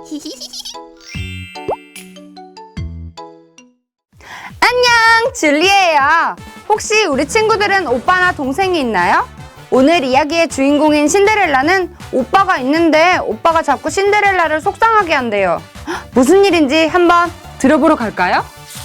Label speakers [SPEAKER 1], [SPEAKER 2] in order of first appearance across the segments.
[SPEAKER 1] 안녕, 줄리예요. 혹시 우리 친구들은 오빠나 동생이 있나요? 오늘 이야기의 주인공인 신데렐라는 오빠가 있는데 오빠가 자꾸 신데렐라를 속상하게 한대요. 무슨 일인지 한번 들어보러 갈까요?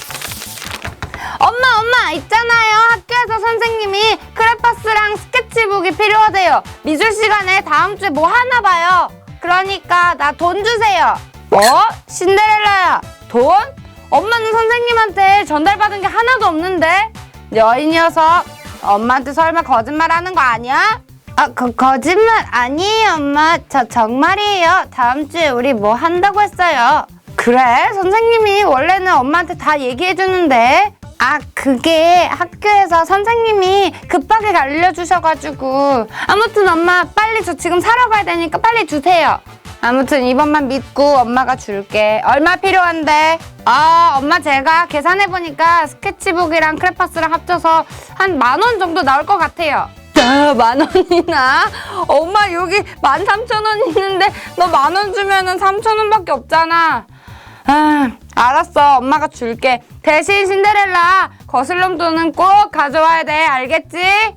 [SPEAKER 1] 엄마, 있잖아요. 학교에서 선생님이 크레파스랑 스케치북이 필요하대요. 미술 시간에 다음 주에 뭐 하나 봐요. 그러니까 나 돈 주세요. 신데렐라야, 돈? 엄마는 선생님한테 전달받은 게 하나도 없는데? 이 녀석, 엄마한테 설마 거짓말하는 거 아니야? 거짓말 아니에요, 엄마. 저 정말이에요. 다음 주에 우리 뭐 한다고 했어요. 그래? 선생님이 원래는 엄마한테 다 얘기해주는데. 그게 학교에서 선생님이 급하게 알려주셔가지고. 아무튼 엄마, 빨리 저 지금 사러 가야 되니까 빨리 주세요. 아무튼 이번만 믿고 엄마가 줄게. 얼마 필요한데? 엄마 제가 계산해보니까 스케치북이랑 크레파스랑 합쳐서 한 10,000원 정도 나올 것 같아요. 10,000원이나? 엄마 여기 13,000원 있는데 너 10,000원 주면은 3,000원밖에 없잖아. 알았어, 엄마가 줄게. 대신 신데렐라, 거슬럼 돈은 꼭 가져와야 돼. 알겠지?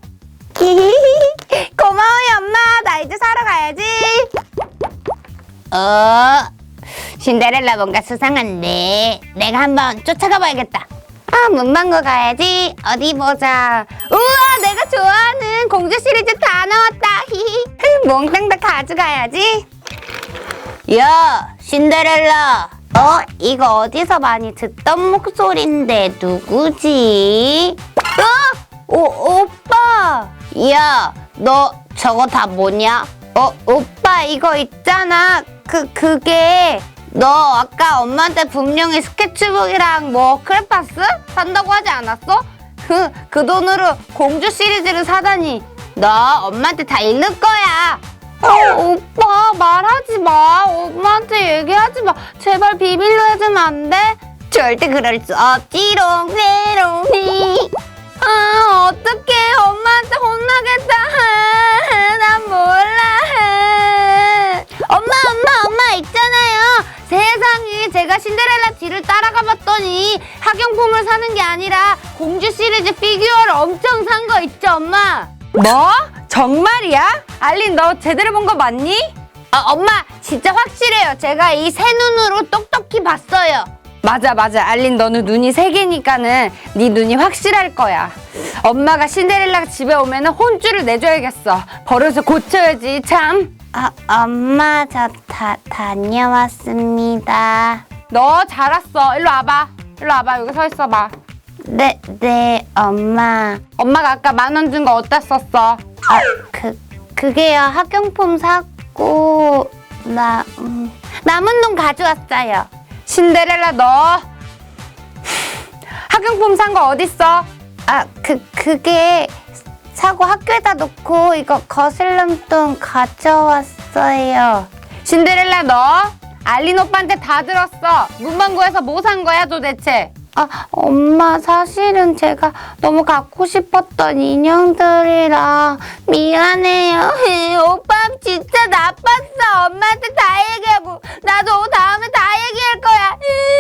[SPEAKER 1] 고마워요, 엄마. 나 이제 사러 가야지.
[SPEAKER 2] 신데렐라 뭔가 수상한데 내가 한번 쫓아가 봐야겠다.
[SPEAKER 1] 문방구 가야지. 어디 보자. 우와, 내가 좋아하는 공주 시리즈 다 나왔다. 몽땅 다 가져가야지.
[SPEAKER 2] 야, 신데렐라.
[SPEAKER 1] 이거 어디서 많이 듣던 목소리인데 누구지? 오빠.
[SPEAKER 2] 야, 너 저거 다 뭐냐?
[SPEAKER 1] 오빠 이거 있잖아. 그게
[SPEAKER 2] 너 아까 엄마한테 분명히 스케치북이랑 뭐 크레파스 산다고 하지 않았어?
[SPEAKER 1] 그 돈으로 공주 시리즈를 사다니.
[SPEAKER 2] 너 엄마한테 다 잃는 거야.
[SPEAKER 1] 오빠 말하지 마. 엄마한테 얘기하지 마. 제발 비밀로 해주면 안 돼?
[SPEAKER 2] 절대 그럴 수 없지롱 메롱이.
[SPEAKER 1] 어떡해. 엄마한테 혼나겠다. 난 몰라.
[SPEAKER 2] 엄마 있잖아요.
[SPEAKER 1] 세상에, 제가 신데렐라 뒤를 따라가 봤더니 학용품을 사는 게 아니라 공주 시리즈 피규어를 엄청 산 거 있죠, 엄마? 뭐? 정말이야? 알린, 너 제대로 본 거 맞니?
[SPEAKER 2] 엄마 진짜 확실해요. 제가 이 새 눈으로 똑똑히 봤어요.
[SPEAKER 1] 맞아. 알린, 너는 눈이 세 개니까는 네 눈이 확실할 거야. 엄마가 신데렐라가 집에 오면 혼쭐을 내줘야겠어. 버릇을 고쳐야지, 참.
[SPEAKER 2] 엄마 저 다녀왔습니다.
[SPEAKER 1] 너 잘 왔어. 일로 와봐. 여기 서 있어봐.
[SPEAKER 2] 네, 엄마.
[SPEAKER 1] 엄마가 아까 10,000원 준 거 어디다 썼어?
[SPEAKER 2] 그게요. 학용품 사고 남은 돈 가져왔어요.
[SPEAKER 1] 신데렐라, 너 학용품 산 거 어딨어?
[SPEAKER 2] 그게 사고 학교에다 놓고 이거 거슬럼돈 가져왔어요.
[SPEAKER 1] 신데렐라, 너 알린 오빠한테 다 들었어. 문방구에서 뭐 산 거야 도대체?
[SPEAKER 2] 엄마 사실은 제가 너무 갖고 싶었던 인형들이라 미안해요.
[SPEAKER 1] 오빠 진짜 나빴어. 엄마한테 다 얘기하고 나도 다음에 다 얘기할 거야.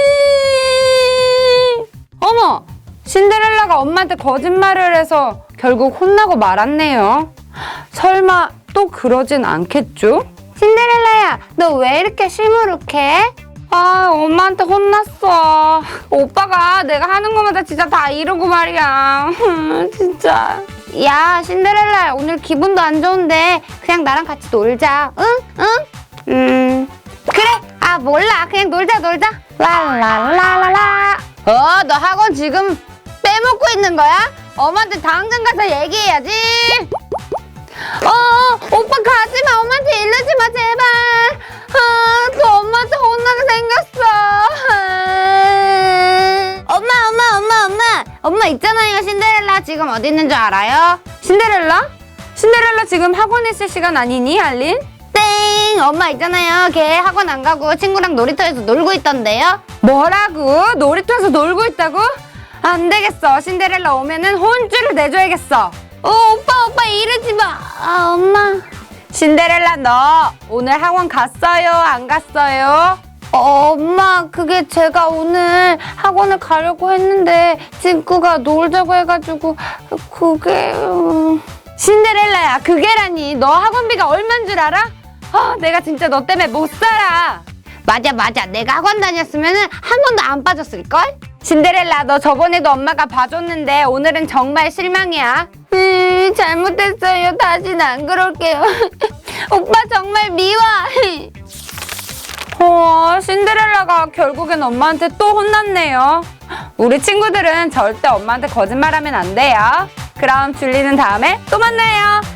[SPEAKER 1] 어머, 신데렐라가 엄마한테 거짓말을 해서 결국 혼나고 말았네요. 설마 또 그러진 않겠죠? 신데렐라야, 너 왜 이렇게 시무룩해? 엄마한테 혼났어. 오빠가 내가 하는 거마다 진짜 다 이러고 말이야. 진짜. 야, 신데렐라, 오늘 기분도 안 좋은데 그냥 나랑 같이 놀자. 응? 그래. 몰라. 그냥 놀자. 랄랄랄랄라. 너 학원 지금 빼먹고 있는 거야? 엄마한테 당장 가서 얘기해야지. 오빠 가지마. 엄마한테 이러지 마, 제발. 또 엄마한테 혼나게 생겼어.
[SPEAKER 2] 엄마 있잖아요. 신데렐라 지금 어디 있는 줄 알아요?
[SPEAKER 1] 신데렐라 지금 학원에 있을 시간 아니니, 알린?
[SPEAKER 2] 땡! 엄마 있잖아요. 걔 학원 안 가고 친구랑 놀이터에서 놀고 있던데요.
[SPEAKER 1] 뭐라고? 놀이터에서 놀고 있다고? 안 되겠어. 신데렐라 오면은 혼쭐을 내줘야겠어.
[SPEAKER 2] 오빠 이러지 마.
[SPEAKER 1] 엄마. 신데렐라, 너 오늘 학원 갔어요? 안 갔어요? 엄마, 그게 제가 오늘 학원을 가려고 했는데 친구가 놀자고 해가지고 그게... 신데렐라야, 그게라니. 너 학원비가 얼만 줄 알아? 내가 진짜 너 때문에 못 살아.
[SPEAKER 2] 맞아. 내가 학원 다녔으면 한 번도 안 빠졌을걸?
[SPEAKER 1] 신데렐라, 너 저번에도 엄마가 봐줬는데 오늘은 정말 실망이야. 잘못했어요. 다시는 안 그럴게요. 오빠 정말 미워. 신데렐라가 결국엔 엄마한테 또 혼났네요. 우리 친구들은 절대 엄마한테 거짓말하면 안 돼요. 그럼 줄리는 다음에 또 만나요.